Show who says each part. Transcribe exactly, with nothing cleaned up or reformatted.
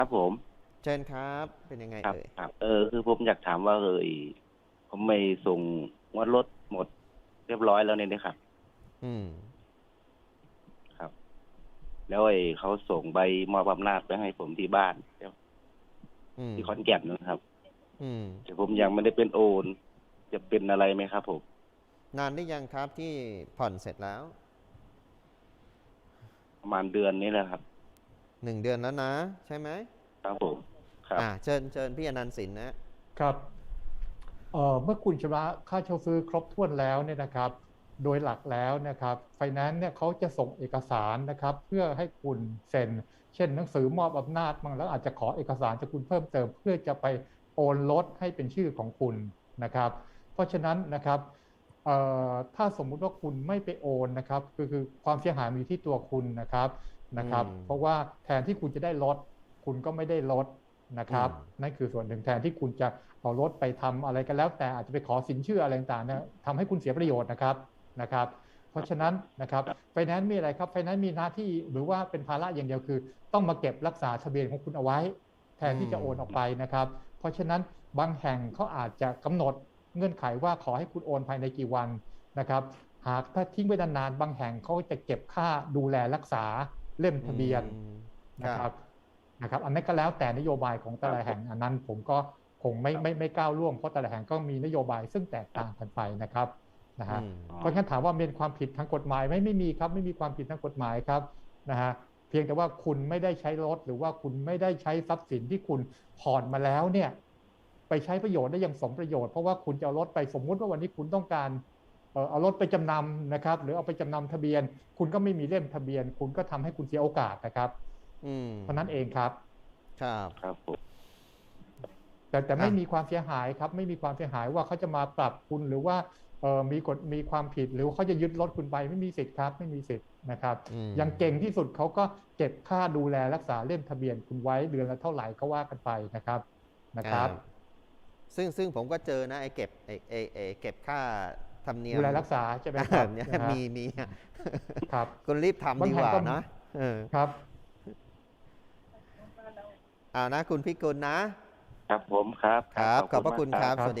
Speaker 1: ครับผม
Speaker 2: เชิญครับเป็นยังไง
Speaker 1: ครับ
Speaker 2: เอ่ย
Speaker 1: ครับเออคือผมอยากถามว่าเออผมไม่ส่งงวดรถหมดเรียบร้อยแล้วเนี่ยนะครับ
Speaker 2: อืม
Speaker 1: ครับแล้วไอ้เขาส่งใบมอบอำนาจไปให้ผมที่บ้าน
Speaker 2: อืม
Speaker 1: ที่ขอนแก่นนะครับ
Speaker 2: อืม
Speaker 1: แต่ผมยังไม่ได้เป็นโอนจะเป็นอะไรไหมครับผม
Speaker 2: นานหรือยังครับที่ผ่อนเสร็จแล้ว
Speaker 1: ประมาณเดือนนี้แหละครับ
Speaker 2: หนึ่งเดือนแล้วนะใช่ไหม
Speaker 1: ครับผมครับ
Speaker 2: อ่าเชิญเชิญพี่อนันต์สินนะ
Speaker 3: ครับเอ่อเมื่อคุณชำระค่าเช่าซื้อครบถ้วนแล้วเนี่ยนะครับโดยหลักแล้วนะครับไฟแนนซ์เนี่ยเขาจะส่งเอกสารนะครับเพื่อให้คุณเซ็นเช่นหนังสือมอบอำนาจบางแล้วอาจจะขอเอกสารจากคุณเพิ่มเติมเพื่อจะไปโอนรถให้เป็นชื่อของคุณนะครับเพราะฉะนั้นนะครับเอ่อถ้าสมมุติว่าคุณไม่ไปโอนนะครับคือคือความเสียหายมีอยู่ที่ตัวคุณนะครับ
Speaker 2: อื
Speaker 3: นะครับ
Speaker 2: ม
Speaker 3: เพราะว่าแทนที่คุณจะได้รถคุณก็ไม่ได้รถนะครับ
Speaker 2: อืม
Speaker 3: นั่นคือส่วนหนึ่งแทนที่คุณจะเอารถไปทำอะไรกันแล้วแต่อาจจะไปขอสินเชื่ออะไรต่างๆเนี่ยทำให้คุณเสียประโยชน์นะครับนะครับเพราะฉะนั้นนะครับไฟแนนซ์มีอะไรครับไฟแนนซ์มีหน้าที่หรือว่าเป็นภาระอย่างเดียวคือต้องมาเก็บรักษาทะเบียนของคุณเอาไว้แทนที่จะโอนออกไปนะครับเพราะฉะนั้นบางแห่งเขาอาจจะกำหนดเงื่อนไขว่าขอให้คุณโอนภายในกี่วันนะครับหากถ้าทิ้งไว้นานๆบางแห่งเขาจะเก็บค่าดูแลรักษาเล่ม
Speaker 2: อื
Speaker 3: ทะเบียน
Speaker 2: มครั
Speaker 3: นะค
Speaker 2: บ
Speaker 3: รับนะครับอันนั้นก็แล้วแต่นโยบายของ
Speaker 1: ค
Speaker 3: แต่
Speaker 1: รับผม
Speaker 3: ละแห่งอันนั้นผมก็คงไม่ไม่ไม่ก้าวล่วงเพราะแต่ละแห่งก็มีนโยบายซึ่งแตกต่างกันไปนะครับนะ
Speaker 2: อื
Speaker 3: ฮะ
Speaker 2: ม
Speaker 1: อ๋อ
Speaker 3: เพราะฉะนั้นถามว่าเป็นความผิดทางกฎหมายไหมไม่มีครับไม่มีความผิดทางกฎหมายครับนะฮะเพียงแต่ว่าคุณไม่ได้ใช้รถหรือว่าคุณไม่ได้ใช้ทรัพย์สินที่คุณผ่อนมาแล้วเนี่ยไปใช้ประโยชน์ได้อย่างสมประโยชน์เพราะว่าคุณจะเอารถไปสมมุติว่าวันนี้คุณต้องการเอ่อเอารถไปจำนำนะครับหรือเอาไปจำนำทะเบียนคุณก็ไม่มีเล่มทะเบียนคุณก็ทำให้คุณเสียโอกาสนะครับ
Speaker 2: อืม
Speaker 3: เพราะนั้นเองครับ
Speaker 2: ครับ
Speaker 1: ครับผม
Speaker 3: แต่แต่
Speaker 2: อ่ะ
Speaker 3: ไม่มีความเสียหายครับไม่มีความเสียหายว่าเขาจะมาปรับคุณหรือว่าเอ่อมีกฎมีความผิดหรือว่าเขาจะยึดรถคุณไปไม่มีสิทธิ์ครับไม่มีสิทธิ์นะครับ
Speaker 2: อืม
Speaker 3: อย่างเก่งที่สุดเขาก็เก็บค่าดูแลรักษาเล่มทะเบียนคุณไว้เดือนละเท่าไหร่ก็ว่ากันไปนะครับนะค
Speaker 2: อ่า
Speaker 3: รับ
Speaker 2: ซึ่งซึ่งผมก็เจอนะไอ้เก็บไอ้ไอ้ไอ้เก็บค่าธรรมเนียม
Speaker 3: ดูแลรักษาใช่ไหมค
Speaker 2: แบ
Speaker 3: รับ
Speaker 2: บเนี้ย
Speaker 3: นะฮะ
Speaker 2: มีมี
Speaker 3: ครับ
Speaker 2: คุณรีบทำดี
Speaker 3: บางแห่งก็
Speaker 2: กว่านะเออ
Speaker 3: ครับ
Speaker 2: เอานะคุณพิกุลนะ
Speaker 1: ครับผมครับ
Speaker 2: ครับ
Speaker 1: ครับขอบ
Speaker 2: ขอบพระ
Speaker 1: คุณมากครับ
Speaker 2: คุณครับสวัสดี